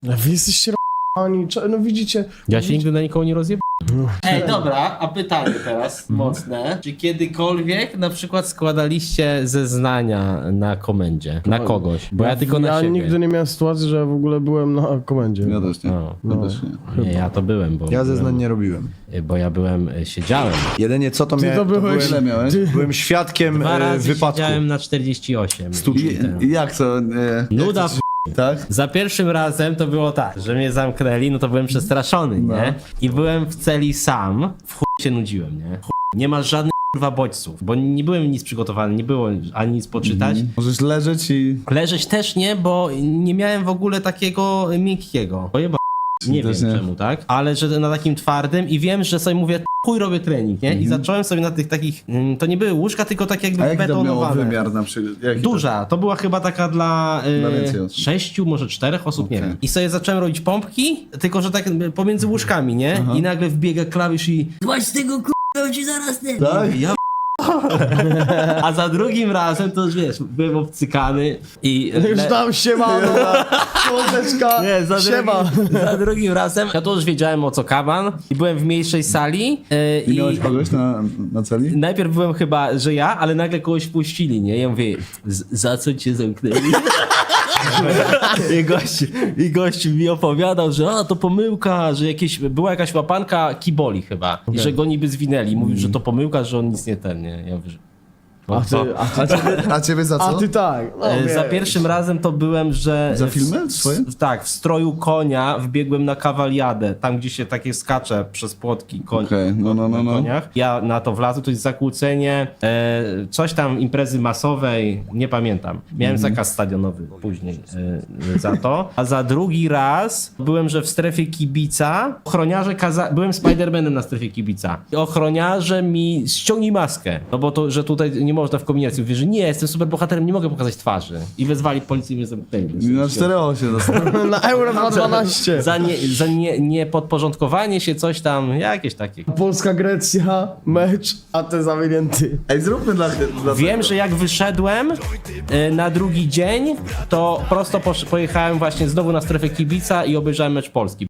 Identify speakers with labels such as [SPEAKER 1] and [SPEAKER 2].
[SPEAKER 1] Wy jesteście oni, no widzicie.
[SPEAKER 2] Ja się nigdy na nikogo nie rozjebałem.
[SPEAKER 3] Ej, dobra, a pytanie teraz mocne. Czy kiedykolwiek na przykład składaliście zeznania na komendzie? Na kogoś? Bo ja tylko na
[SPEAKER 1] Ja
[SPEAKER 3] siebie.
[SPEAKER 1] nigdy nie miałem sytuacji, że w ogóle byłem na komendzie.
[SPEAKER 4] Ja też nie.
[SPEAKER 2] O,
[SPEAKER 4] Ja też nie.
[SPEAKER 2] nie, ja to byłem,
[SPEAKER 4] Ja zeznań nie robiłem.
[SPEAKER 2] bo ja byłem, siedziałem.
[SPEAKER 4] Jedynie co to
[SPEAKER 1] Ty
[SPEAKER 4] miałem,
[SPEAKER 1] to byłeś-
[SPEAKER 4] ile miałeś? Byłem świadkiem
[SPEAKER 2] 2 razy
[SPEAKER 4] wypadku.
[SPEAKER 2] siedziałem na 48.
[SPEAKER 4] I jak to?
[SPEAKER 2] Nuda
[SPEAKER 4] Tak?
[SPEAKER 2] Za pierwszym razem to było tak, że mnie zamknęli, no to byłem przestraszony, nie? I byłem w celi sam, w chuj się nudziłem, nie? Chuj. Nie ma żadnych kurwa bodźców, bo nie byłem nic przygotowany, nie było ani nic poczytać.
[SPEAKER 4] Możesz leżeć i...
[SPEAKER 2] Leżeć też nie, bo nie miałem w ogóle takiego miękkiego. Pojeba. Nie wiem
[SPEAKER 4] Też nie.
[SPEAKER 2] czemu, tak? Ale że na takim twardym i wiem, że sobie mówię, chuj robię trening, nie? I zacząłem sobie na tych takich, to nie były łóżka, tylko tak jakby
[SPEAKER 4] A jaki to miało
[SPEAKER 2] betonowane.
[SPEAKER 4] wymiar na przykład? Jaki
[SPEAKER 2] Duża, to była chyba taka dla
[SPEAKER 4] więcej osób.
[SPEAKER 2] 6, może 4 osób, nie
[SPEAKER 4] Okej.
[SPEAKER 2] wiem. I sobie zacząłem robić pompki, tylko że tak pomiędzy łóżkami, nie? I nagle wbiega klawisz i
[SPEAKER 5] Złaź z tego k***a, ci zaraz ten.
[SPEAKER 4] Tak?
[SPEAKER 2] ja a za drugim razem to już wiesz, byłem obcykany i
[SPEAKER 1] Już tam siemano, słoneczka,
[SPEAKER 2] nie,
[SPEAKER 1] siema.
[SPEAKER 2] za drugim razem ja to już wiedziałem o co kaban i byłem w mniejszej sali
[SPEAKER 4] I miałeś kogoś na celi?
[SPEAKER 2] najpierw byłem chyba, że ja, ale nagle kogoś puścili, nie? Ja mówię, za co cię zamknęli? I gość mi opowiadał, że to pomyłka, że była jakaś łapanka kiboli chyba. I że go niby zwinęli. Mówił, że to pomyłka, że on nic nie ten, nie? Ja mówię, że...
[SPEAKER 4] A ciebie za co?
[SPEAKER 1] A ty tak. No,
[SPEAKER 2] Za
[SPEAKER 1] wiesz.
[SPEAKER 2] pierwszym razem to byłem, że...
[SPEAKER 4] Za filmy swoje?
[SPEAKER 2] Tak, w stroju konia wbiegłem na kawaliadę, tam gdzie się takie skacze przez płotki koń,
[SPEAKER 4] Okej, no.
[SPEAKER 2] na koniach. Ja na to wlazłem, to jest zakłócenie, coś tam imprezy masowej, nie pamiętam. Miałem zakaz stadionowy później za to. A za drugi raz byłem, że w strefie kibica, ochroniarze byłem Spidermanem na strefie kibica. I ochroniarze mi ściągnij maskę, no bo to, że tutaj nie można w kombinacji. Mówię, że nie, jestem super bohaterem, nie mogę pokazać twarzy. I wezwali policję i mnie zamknęli.
[SPEAKER 4] Na 4-8 dostałem.
[SPEAKER 1] Na Euro 2012.
[SPEAKER 2] Za niepodporządkowanie się, coś tam, jakieś takie.
[SPEAKER 1] Polska-Grecja, mecz, a ty zawinięty.
[SPEAKER 4] Ej, zróbmy dla
[SPEAKER 2] Wiem, że jak wyszedłem na drugi dzień, to prosto pojechałem właśnie znowu na strefę kibica i obejrzałem mecz Polski.